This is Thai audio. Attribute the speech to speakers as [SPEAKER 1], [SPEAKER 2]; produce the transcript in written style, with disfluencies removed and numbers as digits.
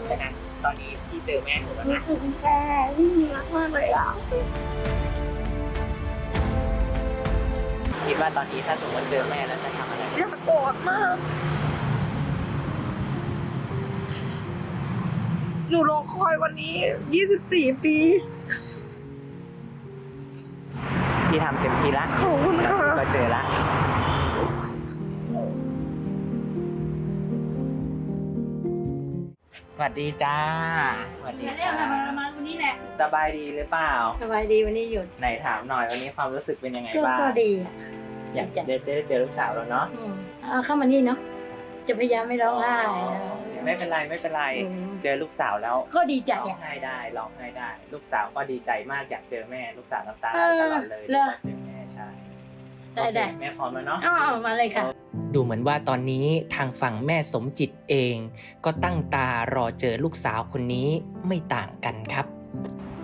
[SPEAKER 1] ใช่ไหมตอนนี้พี่เจอแม่หนูแล้ว
[SPEAKER 2] นี่
[SPEAKER 1] นะ
[SPEAKER 2] คือพี่แค่ที่รักมากเลยอ่ะ
[SPEAKER 1] คิดว่าตอนนี้ถ้าสมมติเจอแม่แล้วจะทำอะไร
[SPEAKER 2] อยากกอดมากหนูรอคอยวันนี้24 ปี
[SPEAKER 1] พี่ทำเต็มที่ละ
[SPEAKER 2] ขอบคุณค่ะ
[SPEAKER 1] ก็เจอละสวัสดีจ้าสวัสดี
[SPEAKER 3] มาเรียก
[SPEAKER 1] ค่ะ
[SPEAKER 3] มาวันนี้แหละ
[SPEAKER 1] สบายดีหรือเปล่า
[SPEAKER 3] สบายดีวันนี้หยุด
[SPEAKER 1] ไหนถามหน่อยวันนี้ความรู้สึกเป็นยังไง
[SPEAKER 3] ก็
[SPEAKER 1] บ้าง
[SPEAKER 3] ดีอ่ะ
[SPEAKER 1] อยากได้เจอลูกสาวแล้วเนาะ
[SPEAKER 3] เอาเข้ามานี่เนาะจะพยายามไม่ร้องไห้
[SPEAKER 1] ไม่เป็นไรไม่เป็นไร เจอลูกสาวแล้ว
[SPEAKER 3] ก็ดีใจ
[SPEAKER 1] ร้อง
[SPEAKER 3] อ่ะ
[SPEAKER 1] ไห้ได้ร้องไห้ได้ ลูกสาวก็ดีใจมากอยากเจอแม่ลูกสาวน้ำตาไห
[SPEAKER 3] เอ
[SPEAKER 1] ล
[SPEAKER 3] อ
[SPEAKER 1] ตลอดเลย
[SPEAKER 3] เหรอ
[SPEAKER 1] อยากเจอแม่ใช่
[SPEAKER 3] ได้ได้
[SPEAKER 1] โอเคแม่พร้อมแล้วเนาะ
[SPEAKER 3] อ๋อมาเลยค่ะ
[SPEAKER 4] ดูเหมือนว่าตอนนี้ทางฝั่งแม่สมจิตเอง ก็ตั้งตารอเจอลูกสาวคนนี้ไม่ต่างกันครับ